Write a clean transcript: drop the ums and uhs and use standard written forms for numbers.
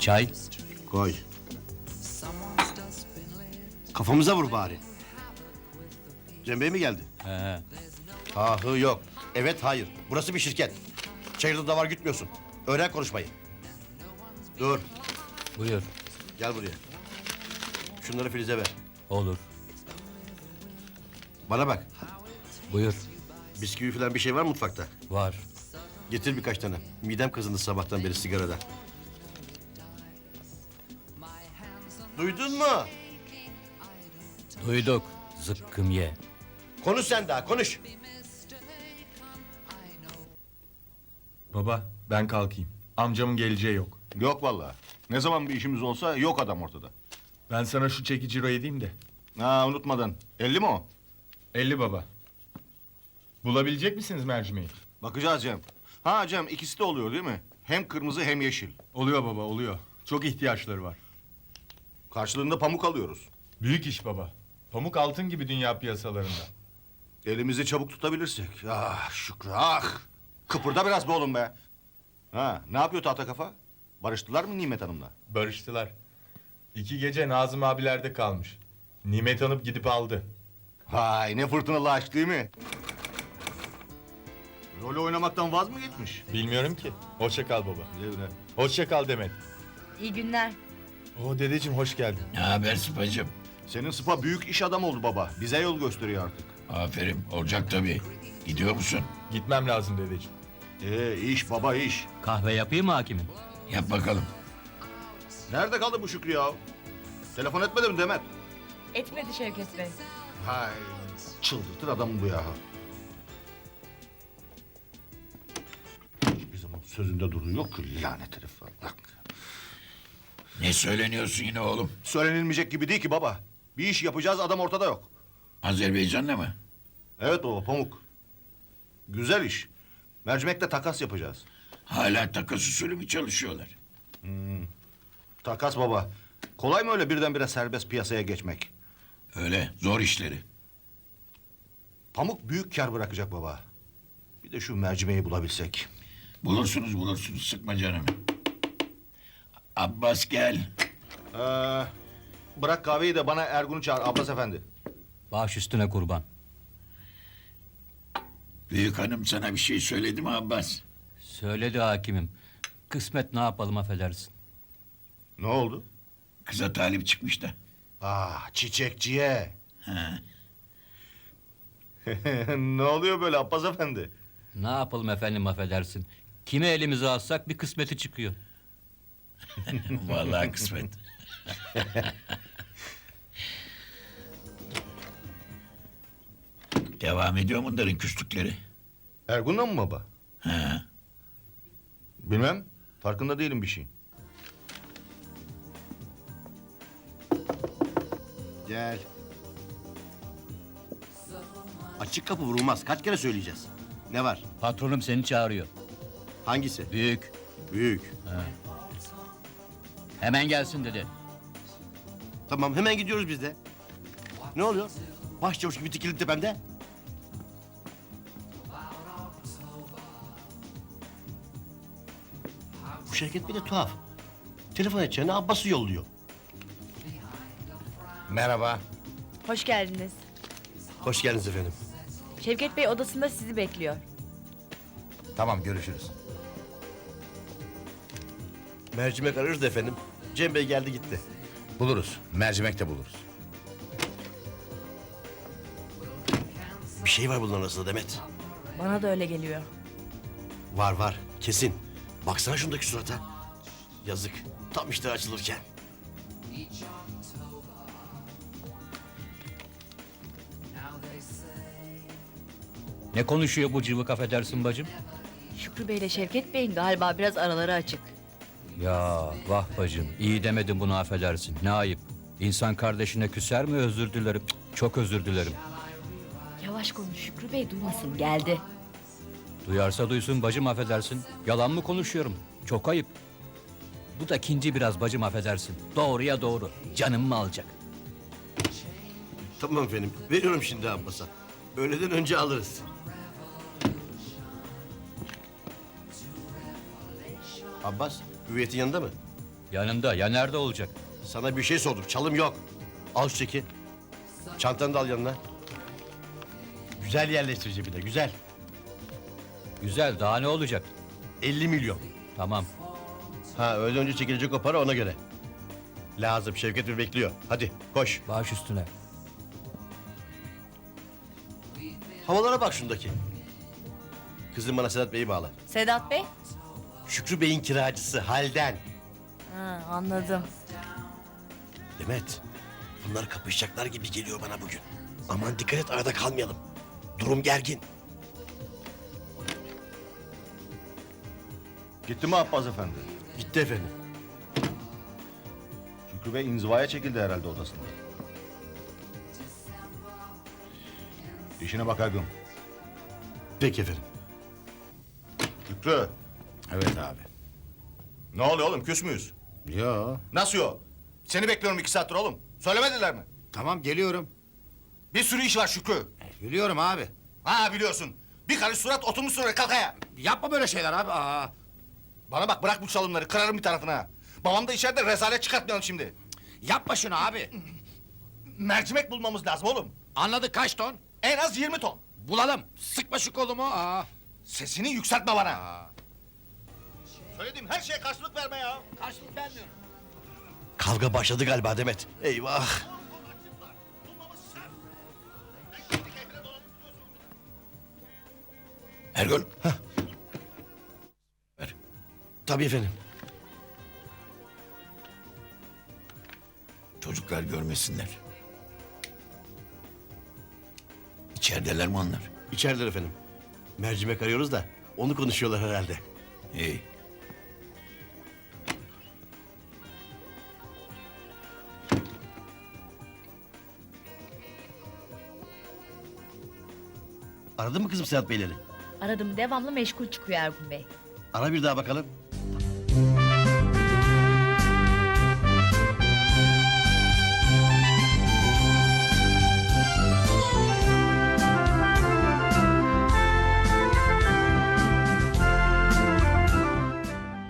Çay? Koy. Kafamıza vur bari. Cem Bey mi geldi? He. Ahı yok. Evet hayır. Burası bir şirket. Çayırda da var gütmüyorsun. Öğren konuşmayı. Dur. Buyur. Gel buraya. Şunları Filiz'e ver. Olur. Bana bak. Buyur. Bisküvi falan bir şey var mı mutfakta? Var. Getir birkaç tane. Midem kazındı sabahtan beri sigarada. Duydun mu? Duyduk. Zıkkım ye. Konuş sen daha konuş. Baba ben kalkayım. Amcamın geleceği yok. Yok vallahi. Ne zaman bir işimiz olsa yok adam ortada. Ben sana şu çeki ciro edeyim de. Ha unutmadan. 50 mi o? 50 baba. Bulabilecek misiniz mercimeği? Bakacağız Cem. Ha Cem ikisi de oluyor değil mi? Hem kırmızı hem yeşil. Oluyor baba oluyor. Çok ihtiyaçları var. Karşılığında pamuk alıyoruz. Büyük iş baba. Pamuk altın gibi dünya piyasalarında. Elimizi çabuk tutabilirsek. Ah Şükrü ah. Kıpırda biraz be oğlum be. Ha ne yapıyor tahta kafa? Barıştılar mı Nimet Hanım'la? Barıştılar. 2 gece Nazım abilerde kalmış. Nimet Hanım gidip aldı. Vay ne fırtınalı aşk değil mi? Rolü oynamaktan vaz mı geçmiş? Bilmiyorum ki. Hoşça kal baba. Güle güle. Hoşça kal Demet. İyi günler. Oo dedeciğim hoş geldin. Ne haber Sıpacığım? Senin sıpa büyük iş adamı oldu baba. Bize yol gösteriyor artık. Aferin, olacak tabii. Gidiyor musun? Gitmem lazım dedeciğim. İş baba iş. Kahve yapayım mı hakimim? Yap bakalım. Nerede kaldı bu Şükrü ya? Telefon etmedi mi Demet? Etmedi Şevket Bey. Hay çıldırtır adamı bu ya. Bir zaman sözünde duruyor ki lanet herif. Bak. Ne söyleniyorsun yine oğlum? Söylenilmeyecek gibi değil ki baba. Bir iş yapacağız adam ortada yok. Azerbaycan'la mı? Evet baba pamuk. Güzel iş. Mercimekle takas yapacağız. Hala takas usulü mü çalışıyorlar? Takas baba. Kolay mı öyle birdenbire serbest piyasaya geçmek? Öyle, zor işleri. Pamuk büyük kar bırakacak baba. Bir de şu mercimeği bulabilsek. Bulursunuz, sıkma canımı. Abbas gel. Bırak kahveyi de bana Ergun'u çağır Abbas efendi. Baş üstüne kurban. Büyük hanım sana bir şey söyledi mi Abbas? Söyledi hakimim. Kısmet ne yapalım affedersin. Ne oldu? Kıza talip çıkmış da. Çiçekçiye. Ha. Ne oluyor böyle Abbas efendi? Ne yapalım efendim affedersin. Kime elimize alsak bir kısmeti çıkıyor. Vallahi kısmet. Devam ediyor mu bunların küslükleri? Ergun'la mı baba? Ha. Bilmem. Farkında değilim bir şeyin. Gel. Açık kapı vurulmaz. Kaç kere söyleyeceğiz? Ne var? Patronum seni çağırıyor. Hangisi? Büyük. Büyük. Hemen gelsin dedi. Tamam hemen gidiyoruz biz de. Ne oluyor? Başçavuş gibi dikildi tepemde. Bu Şevket bir de tuhaf. Telefon edeceğine Abbas'ı yolluyor. Merhaba. Hoş geldiniz. Hoş geldiniz efendim. Şevket Bey odasında sizi bekliyor. Tamam görüşürüz. Mercimek arıyoruz da efendim. Cem Bey geldi gitti. Buluruz. Mercimek de buluruz. Bir şey var bunların arasında Demet. Bana da öyle geliyor. Var var kesin. Baksana şundaki surata. Yazık. Tam işte açılırken. Ne konuşuyor bu cıvık affedersin bacım? Şükrü Bey ile Şevket Bey'in galiba biraz araları açık. Ya vah bacım iyi demedin bunu affedersin. Ne ayıp. İnsan kardeşine küser mi özür dilerim. Cık, çok özür dilerim. Yavaş konuş Şükrü Bey duymasın geldi. Duyarsa duysun bacım affedersin. Yalan mı konuşuyorum? Çok ayıp. Bu da ikinci biraz bacım affedersin. Doğruya doğru. Canım mı alacak? Tamam efendim. Veriyorum şimdi Abbas'a. Öğleden önce alırız. Abbas, hüviyetin yanında mı? Yanında, ya nerede olacak? Sana bir şey sordum. Çalım yok. Al şu çeki. Çantanı da al yanına. Güzel yerleştir cebine. Güzel. Güzel, daha ne olacak? 50 milyon. Tamam. Ha öğleden önce çekilecek o para ona göre. Lazım. Şevket Bey bekliyor. Hadi koş. Baş üstüne. Havalara bak şundaki. Kızım bana Sedat Bey'i bağla. Sedat Bey? Şükrü Bey'in kiracısı Halden. Ha, anladım. Demet, bunlar kapışacaklar gibi geliyor bana bugün. Aman dikkat et arada kalmayalım. Durum gergin. Gitti mi Abbas Efendi? Gitti efendim. Şükrü Bey inzivaya çekildi herhalde odasında. İşine bak Ergun. Peki efendim. Şükrü. Evet abi. Ne oluyor oğlum, küs müyüz? Yo. Nasıl yok? Seni bekliyorum 2 saattir oğlum. Söylemediler mi? Tamam geliyorum. Bir sürü iş var Şükrü. Biliyorum abi. Ha biliyorsun. Bir karış surat oturmuşsun oraya, kalk ayağa. Yapma böyle şeyler abi. Aa. Bana bak, bırak bu çalımları, kırarım bir tarafına. Ha. Babam da içeride, rezalet çıkartmayalım şimdi. Yapma şunu abi. Mercimek bulmamız lazım oğlum. Anladık kaç ton? En az 20 ton. Bulalım. Sıkma şu kolumu. Aa. Sesini yükseltme bana. Aa. Söylediğim her şeye karşılık verme ya. Karşılık vermiyorum. Kavga başladı galiba Demet. Eyvah. Ergun. Tabii efendim. Çocuklar görmesinler. İçerideler mi onlar? İçerideler efendim. Mercimek arıyoruz da onu konuşuyorlar herhalde. İyi. Aradın mı kızım Sedat Beyleri? Aradım devamlı meşgul çıkıyor Ergun Bey. Ara bir daha bakalım.